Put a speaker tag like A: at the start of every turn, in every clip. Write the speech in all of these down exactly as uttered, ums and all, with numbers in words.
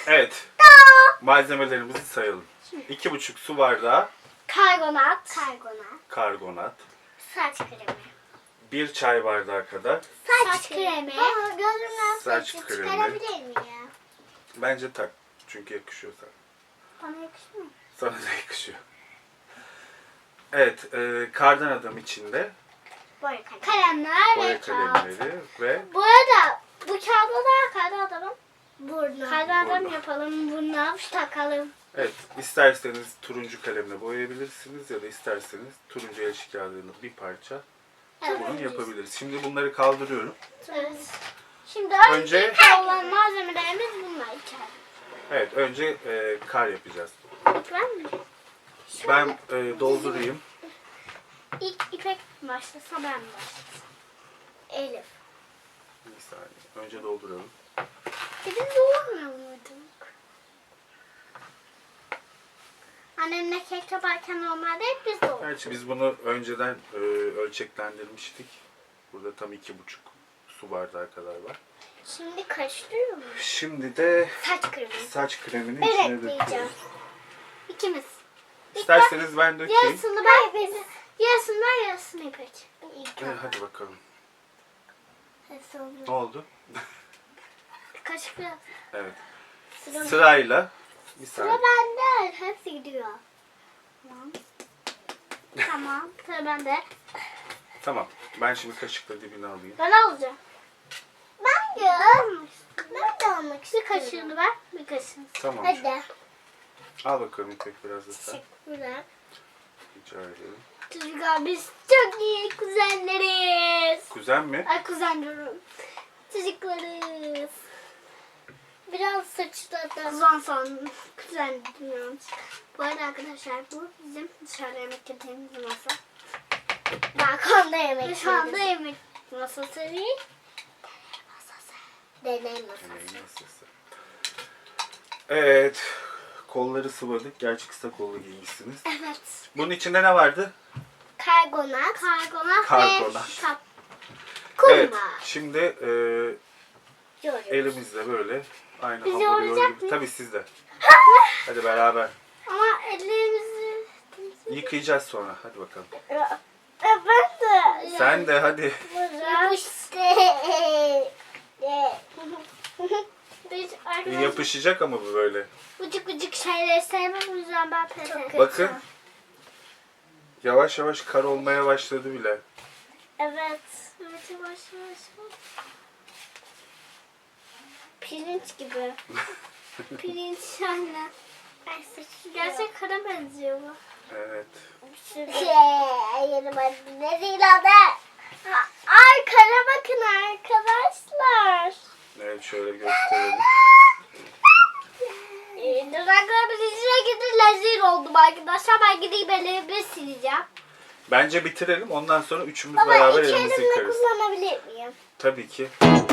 A: Evet. Malzemelerimizi sayalım. iki buçuk su bardağı
B: Karbonat. Karbonat.
A: karbonat.
B: Saç kremi.
A: bir çay bardağı kadar.
B: Saç, Saç kremi. Baba gözümden
A: Saç
B: saçı
A: kremi.
B: çıkarabilir miyim?
A: Bence tak. Çünkü yakışıyor sana.
B: Bana yakışmıyor.
A: Sana da yakışıyor. Evet. E, kardan adam içinde
B: Boya kalem. Kalemler
A: boya
B: ve kağıt.
A: kalemleri ve
B: Bu arada bu kağıda da kardan adamın burnu. Kardan adam
A: Burnu.
B: yapalım. Burnuna takalım.
A: evet, isterseniz turuncu kalemle boyayabilirsiniz ya da isterseniz turuncu el kağıdını bir parça bunu yapabiliriz. Şimdi bunları kaldırıyorum.
B: Evet. Şimdi
A: Önce-
B: önce olan malzemelerimiz bunlar içeride.
A: Evet, önce e, kar yapacağız.
B: İlk ben mi?
A: Ben e, doldurayım.
B: İlk İpek başlasa ben mi başlasam? Elif.
A: Bir saniye. Önce dolduralım.
B: Biz doğurmuyor muyduk? Annemle kek yaparken normalde hep biz doğurduk.
A: Gerçi biz bunu önceden e, ölçeklendirmiştik. Burada tam iki buçuk su bardağı kadar var.
B: Şimdi karıştırıyor muyuz?
A: Şimdi de
B: Saç kremi.
A: saç kremini
B: Ben
A: içine
B: ekleyeceğim.
A: döküyoruz.
B: İkimiz.
A: İsterseniz ben dökeyim.
B: Yarısını ben, yarısını ben, yarısını İpek.
A: E, hadi bakalım. Ne oldu?
B: Kaşık biraz.
A: Evet.
B: Sıra,
A: Sırayla bir
B: sıra
A: saniye.
B: bende. Hepsi gidiyor. Tamam. Tamam. Sıra bende.
A: Tamam. Ben şimdi kaşıkla dibini alayım.
B: Ben alacağım. Ben de. Ben de almak istiyorum. Bir kaşığını ver. Bir kaşığını.
A: Tamam.
B: Hadi.
A: Al bakalım İpek biraz da sen.
B: Teşekkürler.
A: Rica ederim.
B: Çocuklar biz çok iyi kuzenleriz.
A: Kuzen mi?
B: Ay kuzen diyorum. Çocuklarız. Biraz saçlardan. Kuzen sandım. Kuzen diyorum. Bu arada arkadaşlar bu bizim dışarıda yemek yediğimiz masa. Balkonda yemek yediğimiz. Şu anda yemek masası değil. Deney masası.
A: Deney masası. Evet. Kolları sıvadık. Gerçi kısa kollu giymişsiniz.
B: Evet.
A: Bunun içinde ne vardı?
B: Karbonat. Karbonat,
A: Karbonat.
B: ve kap. Kuma.
A: Evet. Şimdi e,
B: Yoruyoruz.
A: elimizle böyle aynı
B: Biz
A: hamuru
B: yoğuracak
A: yoğur gibi.
B: mıyız?
A: Tabii sizde. Hadi beraber.
B: Ama ellerimizi...
A: Yıkayacağız sonra. Hadi bakalım.
B: Ya, ben de.
A: Sen de hadi.
B: Yapıştı. Biz arkadaşlar
A: Yapışacak ama bu böyle.
B: bıcık bıcık şeyleri sevmem, o yüzden ben pes ettim.
A: Bakın. Yavaş yavaş kar olmaya başladı bile.
B: Evet. Evet yavaş yavaş. Pirinç gibi. Pirinç anne. Ay saçı gerçek kara benziyor bu.
A: Evet.
B: Şey, yerim anne. Ne değil adı? Ay kara bakın arkadaşlar.
A: Evet, şöyle gösterelim.
B: Ee, Duraklarımız içine girdi, lezzet oldum arkadaşlar. Ben gideyim ellerimi sileceğim.
A: Bence bitirelim. Ondan sonra üçümüz
B: Baba
A: beraber
B: iki
A: elimizi
B: elimle
A: yıkarız.
B: kullanabilir miyim?
A: Tabii ki.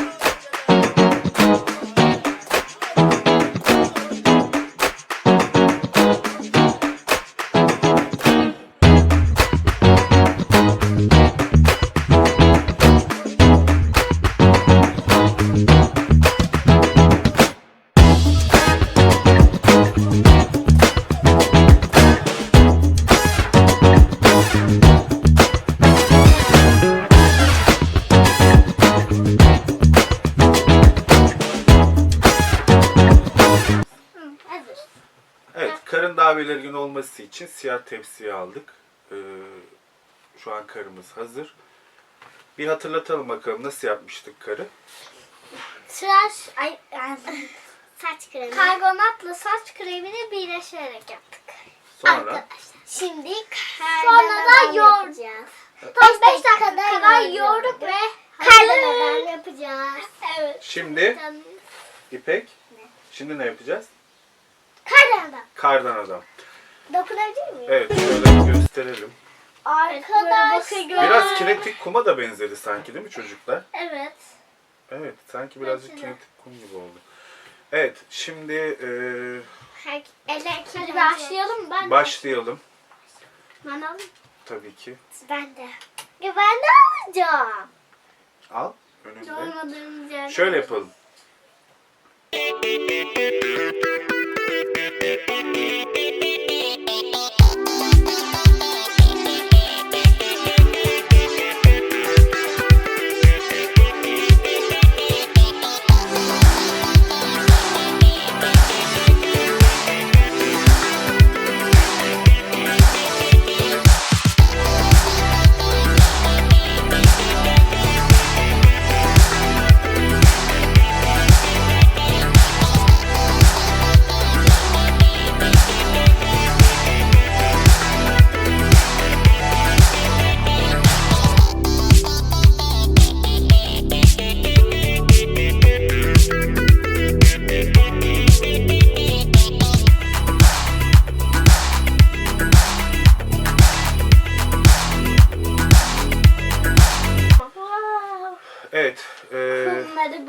B: Hı, hazır.
A: Evet, karın daha belirgin olması için siyah tepsiye aldık. Ee, şu an karımız hazır. Bir hatırlatalım bakalım nasıl yapmıştık karı.
B: Tıraş, ay, ay, saç kremi. Karbonatla saç kremini birleştirerek yaptık.
A: Sonra
B: Arkadaşlar. Şimdi sonra da yoğuracağız.
A: Evet.
B: beş dakika kadar yoğurduk ve kardan yapacağız. Evet.
A: Şimdi İpek, şimdi ne yapacağız?
B: Kardan.
A: Kardan adam.
B: Dokunabilir miyim?
A: Evet, şöyle gösterelim.
B: Arkadaşlar.
A: Biraz kinetik kuma da benzedi sanki, değil mi çocuklar?
B: Evet.
A: Evet, sanki birazcık
B: Bence de.
A: kinetik kum gibi oldu. Evet, şimdi e,
B: Her, eller Hadi başlayalım. Ben
A: başlayalım.
B: Ben alayım.
A: Tabii ki.
B: Ben de. Ya ben de alacağım.
A: Al, önünde.
B: Olmadığımız yerde.
A: Şöyle yapalım.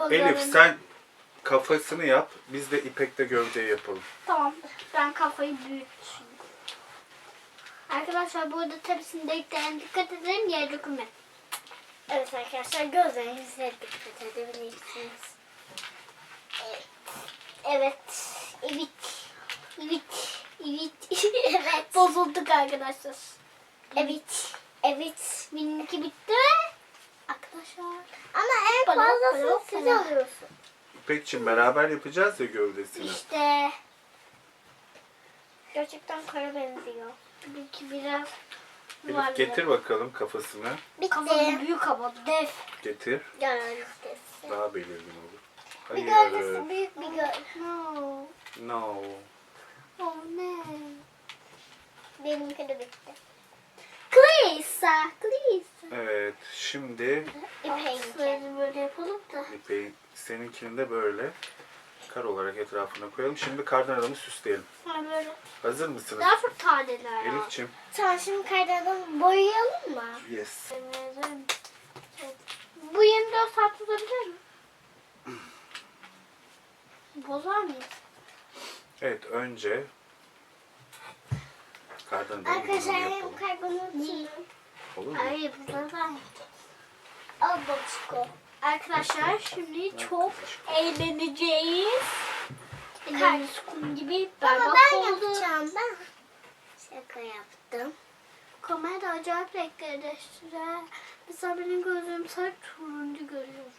B: gözlerini.
A: Elif sen kafasını yap. Biz de İpek'te gövdeyi yapalım.
B: Tamam. Ben kafayı büyüteyim. Arkadaşlar burada tepsinin deliklerine dikkat edelim. Yere dökülme. Evet arkadaşlar gözlerinize dikkat edebilirsiniz. Evet. Evet. Evet. Evet. Evet. Evet. Bozulduk arkadaşlar. Evet. Evet. Benimki bitti mi? Arkadaşlar. Ama en
C: Bana-
B: fazlasını
C: bana-
B: siz
C: bana.
B: alıyorsun.
A: İpek'cim beraber yapacağız ya gövdesini.
B: İşte. Gerçekten kara benziyor. Belki biraz
A: Elif getir bakalım kafasını.
B: Kafası büyük ama dev.
A: Getir.
B: Gölgesi.
A: Daha belirgin olur.
B: Bir
A: Hayır.
B: gölgesi büyük bir gölgesi. No.
A: No.
B: Oh ne? Benimki de bitti. Klisa. Klisa.
A: Evet. Şimdi
B: İpeğinki. Böyle yapalım da.
A: İpek'in seninkini de böyle kar olarak etrafına koyalım. Şimdi kardan adamı süsleyelim.
B: Ha böyle.
A: Hazır mısınız?
B: Daha çok taneler ya.
A: Elif'ciğim.
B: Tamam şimdi kardan boyayalım mı?
A: Yes.
B: Bu yirmi dört saat tutabilir mi? Bozar mıyız?
A: Evet önce kardan adamı
B: Arkadaşlar
A: burnunu
B: hem
A: yapalım.
B: karbonatını.
A: Olur mu?
B: Hayır burada ben Al babuşko. Arkadaşlar şimdi çok eğleneceğiz. Kardeşim gibi berbat
C: ben
B: oldu.
C: yapacağım ben. Şaka yaptım.
B: Kamerada acayip renkleri değiştirer. Mesela benim gözüm sarı turuncu görüyor.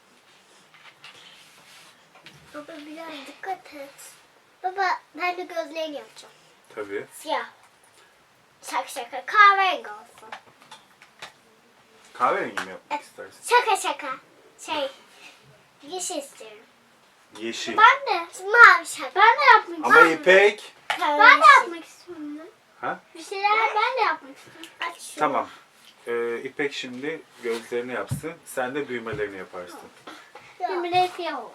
C: Baba biraz dikkat et. Baba ben de gözlerini yapacağım.
A: Tabii.
C: Siyah. Şaka şaka kahverengi olsun.
A: Kahverengi mi yapmak istersin?
C: Şaka şaka. Şey yeşil istiyorum.
A: Yeşil.
B: Ben de.
C: Mavi şaka.
B: Ben de yapmak
A: Ama
B: istiyorum.
A: İpek.
B: Ben de yapmak istiyorum. ya.
A: Ha?
B: Bir şeyler ben de yapmak istiyorum.
C: Aç şunu.
A: Tamam. Ee, İpek şimdi gözlerini yapsın. Sen de düğmelerini yaparsın.
B: Şimdi de siyah olsun.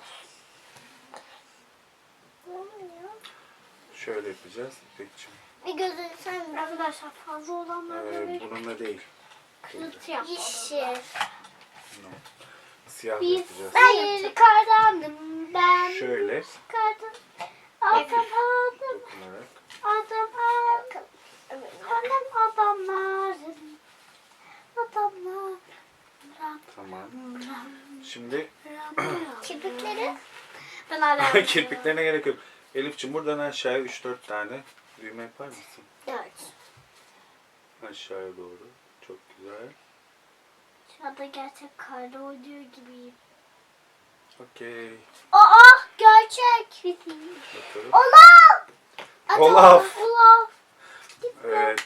C: Ne oluyor?
A: Şöyle yapacağız İpek'ciğim.
C: Bir gözünü sen bırak.
B: Arkadaşlar fazla olanlar
A: Ee,
B: böyle
A: bununla değil.
B: kılıç yapalım.
C: Yeşil.
A: No. Siyah
B: Biz
A: yapacağız.
B: bir kardandım ben.
A: Şöyle.
B: Kardan. Adam
A: Hafif
B: adam
A: dokunarak.
B: adam adam. Adam adamlarım. Adamlar.
A: Tamam. Şimdi
C: Kirpikleri.
B: Ben hala
A: kirpiklerine gerek yok. Elif'ciğim buradan aşağıya üç dört tane düğme yapar mısın?
C: Dört.
A: Aşağıya doğru. Çok güzel.
B: Şu anda gerçek karda oynuyor gibiyim.
A: Okey.
B: Aa gerçek.
A: Bakalım.
B: Olaf.
A: Olaf.
B: Olaf.
A: Evet.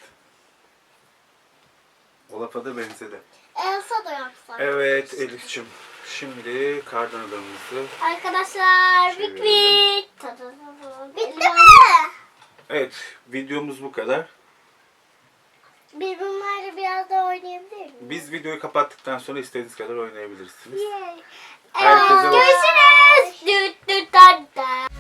A: Olaf'a da benzedi.
C: Elsa da yapsak.
A: Evet Elif'ciğim. Şimdi kardan adamımızı.
B: Arkadaşlar
A: Çevirelim.
B: bit bit.
C: Bitti mi?
A: Evet videomuz bu kadar.
C: Biz bunlarla biraz daha oynayabilir miyiz?
A: Biz videoyu kapattıktan sonra istediğiniz kadar oynayabilirsiniz.
C: Yay.
A: Herkese hoş-
B: Görüşürüz. Düt düt düt düt.